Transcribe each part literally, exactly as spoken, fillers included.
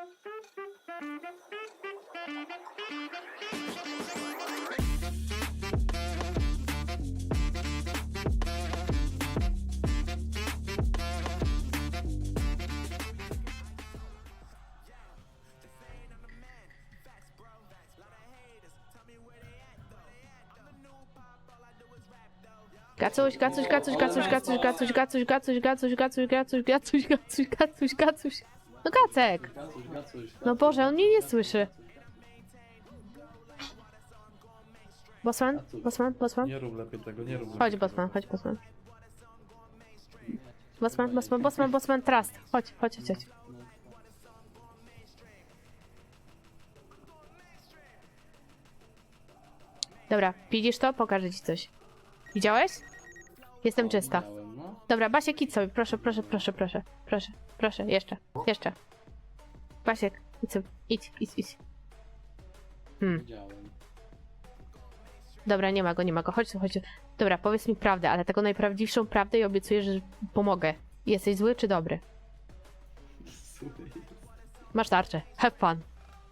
Gacuś, gacuś, gacuś, gacuś, gacuś, gacuś, gacuś, gacuś, gacuś, gacuś, gacuś, gacuś, gacuś, gacuś, gacuś. No Gacek! No Boże, on mnie nie słyszy. Bosman? Bosman? Bosman? Nie rób lepiej tego, nie rób lepiej Chodź tego. Bosman, chodź Bosman. Bosman, Bosman, Bosman, Bosman, trust. Chodź, chodź, chodź. chodź. Dobra, widzisz to? Pokażę ci coś. Widziałeś? Jestem czysta. Dobra, Basiek, idź sobie, proszę, proszę, proszę, proszę, proszę, proszę, jeszcze, jeszcze. Basiek, idź sobie, idź, idź, idź. Hmm. Dobra, nie ma go, nie ma go, chodź tu, chodź tu. Dobra, powiedz mi prawdę, ale taką najprawdziwszą prawdę i obiecuję, że pomogę. Jesteś zły czy dobry? Masz tarczę, have fun.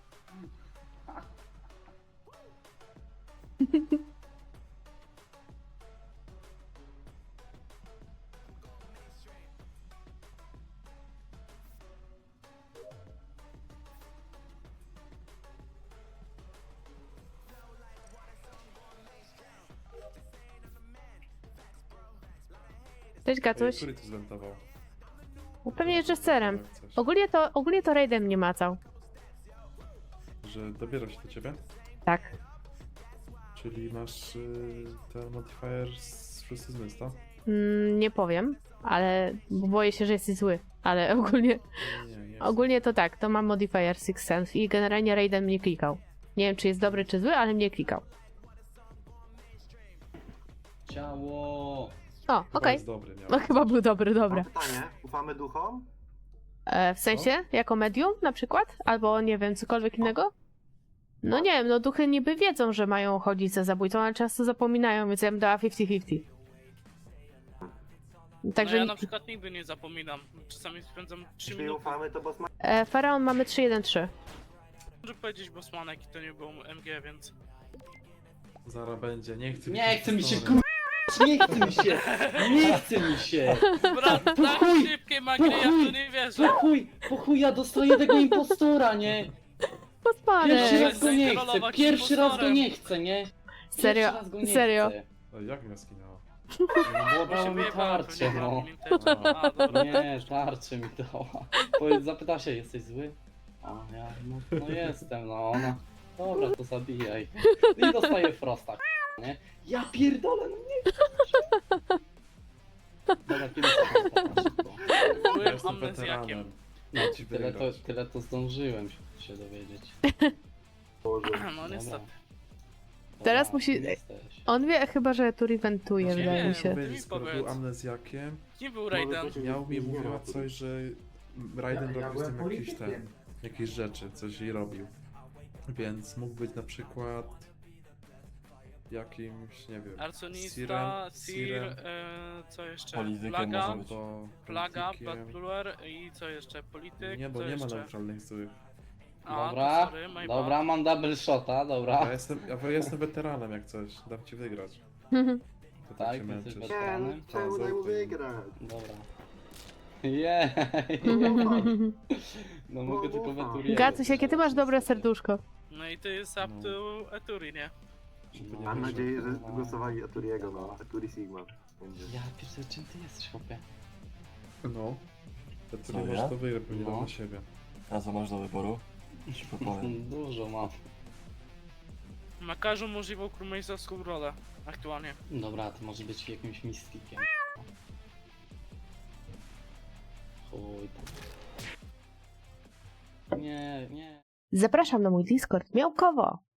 Cześć, Ej, Gacuś. który to zwentował? No pewnie jeszcze z serem. Coś. Ogólnie to, ogólnie to raidem mnie macał. Że dobiera się do ciebie? Tak. Czyli masz y, ten modifier z szósty zmysł, tak? Mm, nie powiem, ale bo boję się, że jesteś zły. Ale ogólnie, Nie, nie, nie. ogólnie to tak, to mam modifier Six Sense i generalnie raidem mnie klikał. Nie wiem, czy jest dobry, czy zły, ale mnie klikał. Ciało! O, Chyba okej. jest dobry, miał. No chyba był dobry, dobra. Mam pytanie, ufamy duchom? E, w sensie? Jako medium na przykład? Albo nie wiem, cokolwiek innego? No nie wiem, no duchy niby wiedzą, że mają chodzić za zabójcą, ale często zapominają, więc ja bym dała pięćdziesiąt pięćdziesiąt. Także No ja na przykład nigdy nie zapominam. Czasami spędzam trzy Jeśli minuty. ufamy, to Bosman. e, Faraon mamy trzy jeden trzy. Może powiedzieć Bosmanek i to nie był M G, więc... Zaraz będzie, nie chcę Nie chce mi się historii. k***, nie chce mi się! Nie chce mi się! Brat, Po tak chuj, szybkie magry, ja w to nie Po wierzę. chuj, po chuj ja dostaję tego impostora, nie? Podpalę! Pierwszy raz go nie chcę, Zaintrolować pierwszy raz go impostorem. nie chcę, nie? Pierwszy Serio, raz go nie serio. chcę. Ej, jak mnie skinęło? No bo Bo się dała mi wyjebałem tarczę, pewnie no. na nim A, dobra. Nie, tarczę mi dała. Powiedz, zapyta się, jesteś zły? A ja, no, no jestem, no ona. Dobra, to zabijaj. I dostaję frosta, k***a, nie? Ja pierdolę, no nie. Dobra, kiedy to szybko. Ja Byłem jestem amnezjakiem. weteranem. No, Ci tyle to, wygrać. tyle to zdążyłem się dowiedzieć. Boże. No niestety. Teraz Dobra, musi- kim jesteś? On wie chyba, że tu reventuje, Nie wydaje mi wiem. się. Powiedzieć, mi skoro powiedz. był amnezjakiem, Nie był Raiden. miał mi mówiła coś, że Raiden Ja- ja robił z tym byłem jakieś, ten, politykiem. jakieś rzeczy, coś jej robił. Więc mógł być na przykład jakimś, nie wiem, Arsonista, Sirem- Sir, Sirem. e, co jeszcze? Politykiem Plaga, może być. albo Plaga, politykiem. Bloodbluer i co jeszcze? Polityk, Nie, bo co nie ma jeszcze? neutralnych złych. A, Dobra, to sorry, my dobra, mam double shota, Ja dobra. jestem, ja jestem weteranem jak coś, dam ci wygrać. To tak, Tak, się ty męczysz. jesteś Nie, no czemu daj mu wygrać? Dobra. Jej, no mogę tylko weturię. Gacuś, jakie ty masz dobre serduszko. No i to jest up No. to Eturi, nie? Żeby nie Mam wyszło. nadzieję, że głosowali Aturiego, no. Aturi Sigma. Będzie. Ja pierdolę, czym ty jesteś, chłopie? No. To ty Co, nie możesz ja? to wygrać, bo nie No. dam na siebie. A co masz do wyboru? Ci podpowiem. Dużo mam. Ma każdą możliwą królmejstowską rolę aktualnie. Dobra, to może być jakimś mistykiem. Chuj tam. Nie, nie. Zapraszam na mój Discord Miałkowo.